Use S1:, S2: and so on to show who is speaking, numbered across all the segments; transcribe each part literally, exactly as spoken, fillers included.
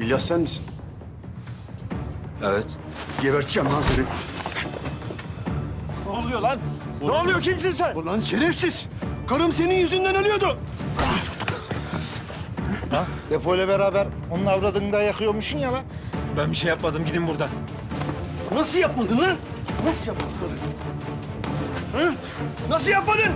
S1: İlyas sen misin?
S2: Evet.
S1: Geberteceğim lan seni.
S2: Ne oluyor lan? Ne oluyor? Kimsin sen?
S1: Ulan şerefsiz! Karım senin yüzünden ölüyordu.
S3: Ha? Depoyla beraber onun avradını da yakıyormuşsun ya lan.
S2: Ben bir şey yapmadım. Gidin buradan.
S1: Nasıl yapmadın lan? Nasıl yapmadın? Hı? Nasıl yapmadın?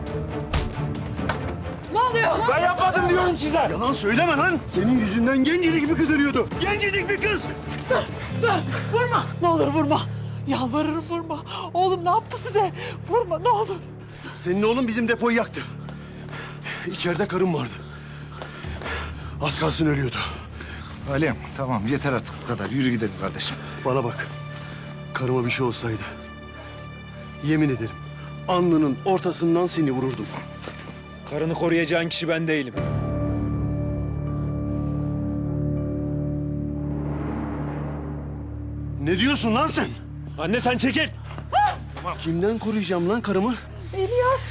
S4: Ne oluyor?
S2: Ben yapmadım diyorum size.
S1: Yalan söyleme lan. Senin yüzünden gencecik bir kız ölüyordu. Gencecik bir kız.
S4: Dur, dur. Vurma. Ne olur vurma. Yalvarırım vurma. Oğlum ne yaptı size? Vurma ne olur.
S1: Senin oğlun bizim depoyu yaktı. İçeride karım vardı. Az kalsın ölüyordu.
S3: Alem tamam yeter artık bu kadar. Yürü gidelim kardeşim.
S1: Bana bak. Karıma bir şey olsaydı. Yemin ederim. Alnının ortasından seni vururdum.
S2: Karını koruyacağın kişi ben değilim.
S1: Ne diyorsun lan sen?
S2: Anne sen çekil.
S1: Kimden koruyacağım lan karımı?
S4: İlyas.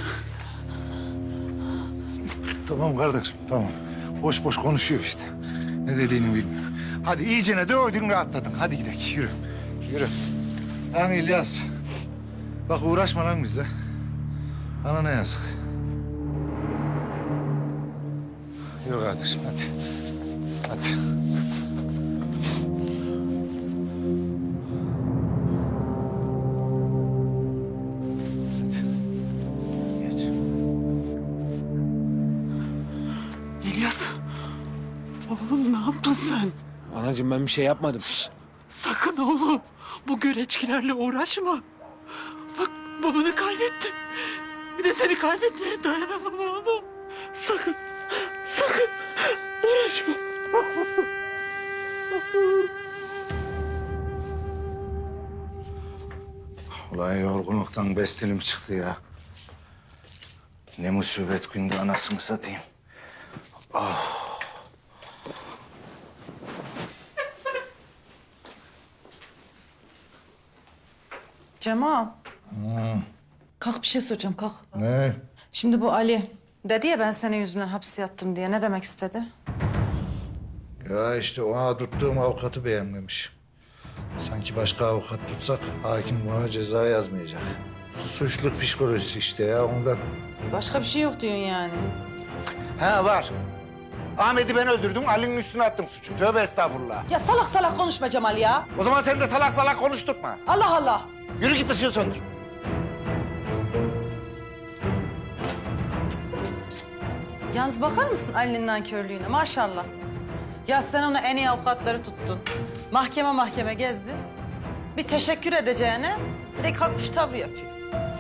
S3: Tamam kardeşim tamam. Boş boş konuşuyor işte. Ne dediğini bilmiyor. Hadi iyicene dövdün rahatladın. Hadi gidelim yürü. Yürü. Lan İlyas. Bak uğraşma lan bizle. Bana ne yazık. Yürü kardeşim hadi. Hadi. Hadi. Geç.
S4: İlyas. Oğlum ne yaptın sen?
S2: Anacığım ben bir şey yapmadım.
S4: Sakın oğlum. Bu göreçkilerle uğraşma. Bak babanı kaybettin. Bir de seni kaybetmeye dayanamam oğlum. Sakın. Sakın. Uğraşma.
S3: Ulan yorgunluktan bestilim çıktı ya. Ne musibet günde anasını satayım.
S5: Cemal. Kalk bir şey soracağım kalk.
S3: Ne?
S5: Şimdi bu Ali dedi ya ben senin yüzünden hapse yattım diye ne demek istedi?
S3: Ya işte ona tuttuğum avukatı beğenmemiş. Sanki başka avukat tutsak hakim buna ceza yazmayacak. Suçluk psikolojisi işte ya ondan.
S5: Başka bir şey yok diyorsun yani.
S3: Ha var. Ahmet'i ben öldürdüm, Ali'nin üstüne attım suçu. Tövbe estağfurullah.
S5: Ya salak salak konuşma Cemal ya.
S3: O zaman sen de salak salak konuşturma.
S5: Allah Allah.
S3: Yürü git ışığı söndür.
S5: Yalnız bakar mısın Ali'nin nankörlüğüne maşallah. Ya sen ona en iyi avukatları tuttun. Mahkeme mahkeme gezdin. Bir teşekkür edeceğine bir de kalkmış tavrı yapıyor.